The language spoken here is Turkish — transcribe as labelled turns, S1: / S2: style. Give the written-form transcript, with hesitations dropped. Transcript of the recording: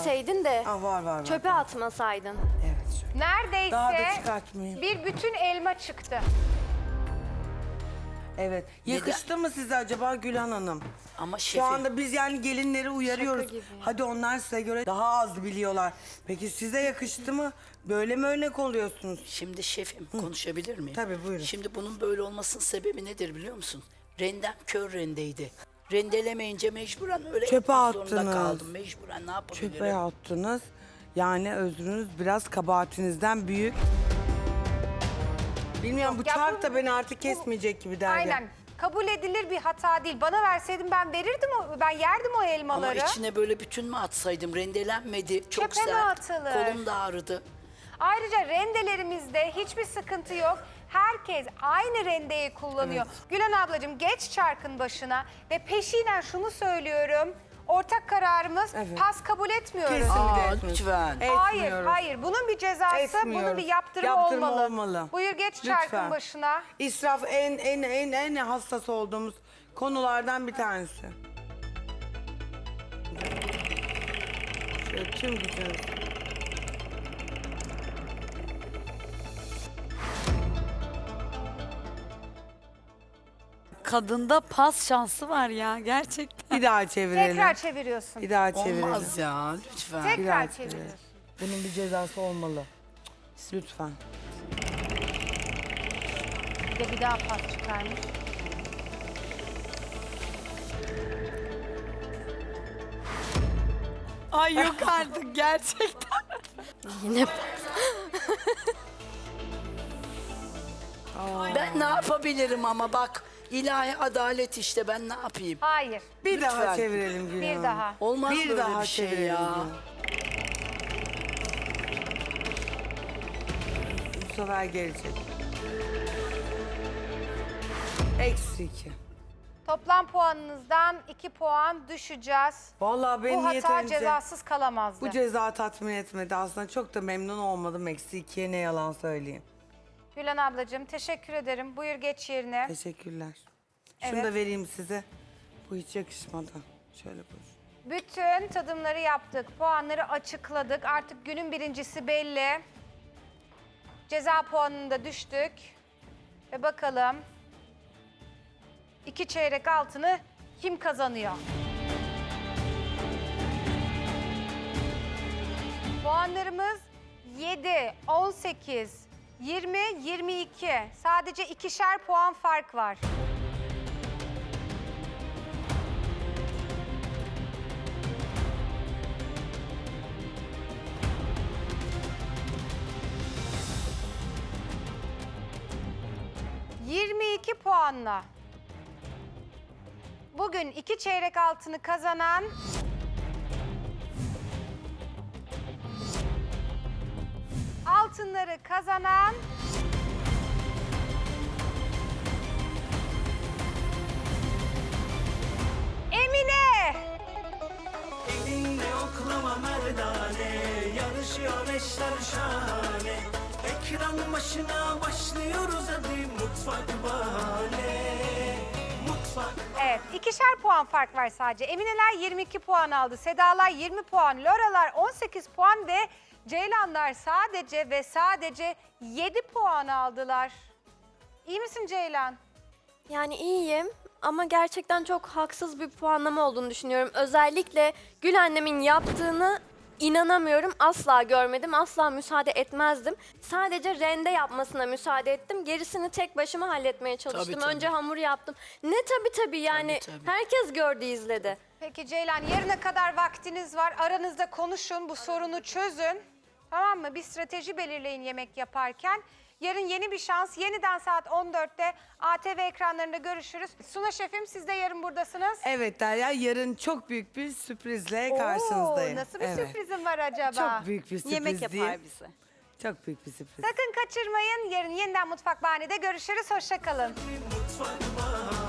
S1: verseydin de
S2: Ah, var.
S1: çöpe atmasaydın.
S2: Evet şöyle. Daha da
S3: Neredeyse
S2: çıkartmayayım.
S3: bir bütün elma çıktı.
S2: Evet. Yakıştı mı size acaba Gülhan Hanım?
S4: Ama
S2: Şu
S4: şefim.
S2: anda biz yani gelinleri uyarıyoruz.
S1: Şaka gibi.
S2: Hadi onlar size göre daha az biliyorlar. Peki size yakıştı mı? Böyle mi örnek oluyorsunuz?
S4: Şimdi şefim konuşabilir miyim?
S2: Tabii, buyurun.
S4: Şimdi bunun böyle olmasının sebebi nedir biliyor musun? Rendem kör rendeydi. Rendelemeyince mecburen öyle
S2: Çöpe
S4: yapmak zorunda
S2: attınız.
S4: kaldım. Mecburen ne yapabilirim?
S2: Çöpe attınız. Yani özrünüz biraz kabahatinizden büyük. Bilmiyorum bu
S3: ya
S2: çark
S3: bu-
S2: da beni artık kesmeyecek gibi derdi.
S3: Aynen. Kabul edilir bir hata değil. Bana verseydin ben verirdim ben yerdim o
S4: Ama
S3: elmaları.
S4: içine böyle bütün mü atsaydım? Rendelenmedi. Çok
S3: Çöpe mi
S4: sert.
S3: atılır?
S4: Kolum da ağrıdı.
S3: Ayrıca rendelerimizde hiçbir sıkıntı yok. Herkes aynı rendeyi kullanıyor. Gülen ablacığım geç çarkın başına ve peşinen şunu söylüyorum. Ortak kararımız
S2: Evet.
S3: pas kabul etmiyoruz.
S2: Kesinlikle
S4: Aa,
S2: etmiyoruz.
S4: lütfen.
S3: Hayır,
S2: Etmiyoruz.
S3: hayır. Bunun bir cezası, bunun
S2: Etmiyoruz.
S3: bir yaptırımı,
S2: Yaptırımı
S3: olmalı.
S2: olmalı.
S3: Buyur geç
S2: Lütfen.
S3: çarkın başına.
S2: İsraf en hassas olduğumuz konulardan bir tanesi. Şöyle tüm gücünüz.
S5: Kadında pas şansı var ya gerçekten.
S2: Bir daha çevirelim.
S3: Tekrar çeviriyorsun.
S2: Bir daha çevirelim.
S4: Olmaz ya lütfen.
S2: Bir
S3: Tekrar
S2: daha
S3: çeviriyorsun.
S2: Bunun bir cezası olmalı. Lütfen.
S3: Bir de bir daha pas çıkarmış.
S5: Ay yok artık gerçekten.
S1: Yine
S4: Ben ne yapabilirim ama bak ilahi adalet işte ben ne yapayım?
S3: Hayır,
S2: Bir daha
S4: Lütfen.
S2: çevirelim Gülhan
S3: bir
S2: Hanım.
S3: daha.
S4: Olmaz
S2: Bir
S4: böyle
S2: daha
S4: bir şey
S2: çevirelim
S4: ya.
S2: Gülhan Hanım. Bu sefer gelecek. -2.
S3: Toplam puanınızdan 2 puan düşeceğiz.
S2: Vallahi beni
S3: Bu hata
S2: yeterince
S3: cezasız kalamazdı.
S2: bu ceza tatmin etmedi. Aslında çok da memnun olmadım. -2'ye ne yalan söyleyeyim.
S3: Gülen ablacığım teşekkür ederim. Buyur geç yerine.
S2: Teşekkürler. Şunu
S3: Evet.
S2: da vereyim size. Bu hiç yakışmadı. Şöyle buyur.
S3: Bütün tadımları yaptık. Puanları açıkladık. Artık günün birincisi belli. Ceza puanında düştük. Ve bakalım 2 çeyrek altını kim kazanıyor? Puanlarımız 7, 18, 20, 22. Sadece 2'şer puan fark var. ...22 puanla... ...bugün 2 çeyrek altını kazanan... ...altınları kazanan... ...Emine!
S6: Elinde oklama merdane, yarışıyor eşler şahane. Ekran başına başlıyoruz hadi mutfak bahane. Mutfak
S3: Evet, 2'şer puan fark var sadece. Emineler 22 puan aldı, Sedalar 20 puan, Loralar 18 puan ve Ceylanlar sadece ve sadece 7 puan aldılar. İyi misin Ceylan?
S1: Yani iyiyim ama gerçekten çok haksız bir puanlama olduğunu düşünüyorum. Özellikle Gül annemin yaptığını inanamıyorum. Asla görmedim, asla müsaade etmezdim. Sadece rende yapmasına müsaade ettim. Gerisini tek başıma halletmeye çalıştım.
S4: Tabii, tabii.
S1: Önce hamur yaptım. Ne tabii yani
S4: Tabii, tabii.
S1: herkes gördü, izledi.
S3: Peki Ceylan, yarına kadar vaktiniz var. Aranızda konuşun, bu sorunu çözün. Tamam mı? Bir strateji belirleyin yemek yaparken. Yarın yeni bir şans. Yeniden saat 14'te ATV ekranlarında görüşürüz. Suna şefim, siz de yarın buradasınız.
S2: Evet Derya, yarın çok büyük bir sürprizle karşınızdayım.
S3: Oo, nasıl bir
S2: Evet.
S3: sürprizim var acaba?
S2: Çok büyük bir sürpriz
S5: Yemek yapar
S2: değil.
S5: bize.
S2: Çok büyük bir sürpriz.
S3: Sakın kaçırmayın. Yarın yeniden Mutfak Bahane'de görüşürüz. Hoşça kalın.
S6: mutfak bahane.